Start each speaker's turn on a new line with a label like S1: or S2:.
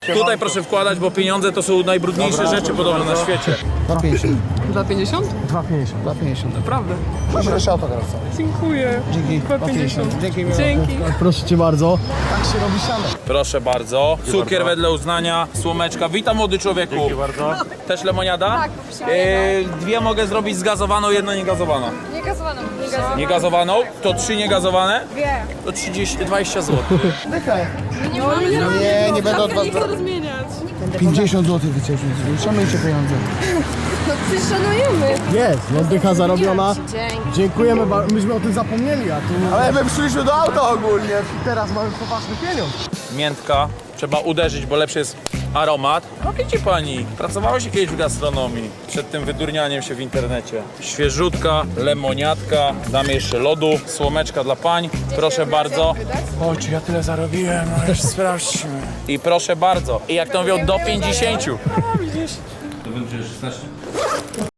S1: Tutaj proszę wkładać, bo pieniądze to są najbrudniejsze rzeczy podobno na świecie.
S2: 2,50.
S3: 2,50?
S2: 2,50. 2,50.
S3: Naprawdę.
S2: Proszę jeszcze autograf.
S3: Dziękuję.
S2: Dzięki.
S3: 2,50.
S2: Dzięki.
S3: Dzięki.
S2: Proszę cię bardzo. Tak się robi siano.
S1: Proszę bardzo. Cukier wedle uznania, słomeczka. Witam młody człowieku. Dzięki bardzo. Też lemoniada?
S4: Tak, poprosimy.
S1: Dwie mogę zrobić zgazowaną, jedna niegazowana.
S4: Niegazowaną.
S1: Niegazowaną? To 3 niegazowane?
S4: Dwie.
S1: To 20 zł.
S2: Dychę.
S4: Nie,
S2: nie będę od was
S3: Nie chcę rozmieniać.
S2: 50 zł wyciągnąć. Szanujcie pieniądze.
S4: No przecież szanujemy.
S2: Jest, no dycha zarobiona.
S4: Dzięki.
S2: Dziękujemy, myśmy o tym zapomnieli, a tu... Ale my przyszliśmy do auta ogólnie. Teraz mamy poważny pieniądz.
S1: Miętka. Trzeba uderzyć, bo lepszy jest aromat. No widzi pani, pracowało się kiedyś w gastronomii. Przed tym wydurnianiem się w internecie. Świeżutka, lemoniatka. Damy jeszcze lodu, słomeczka dla pań. Proszę bardzo. O, czy ja tyle zarobiłem? No już sprawdźmy. I proszę bardzo. I jak to mówią, do 50. To będzie 16.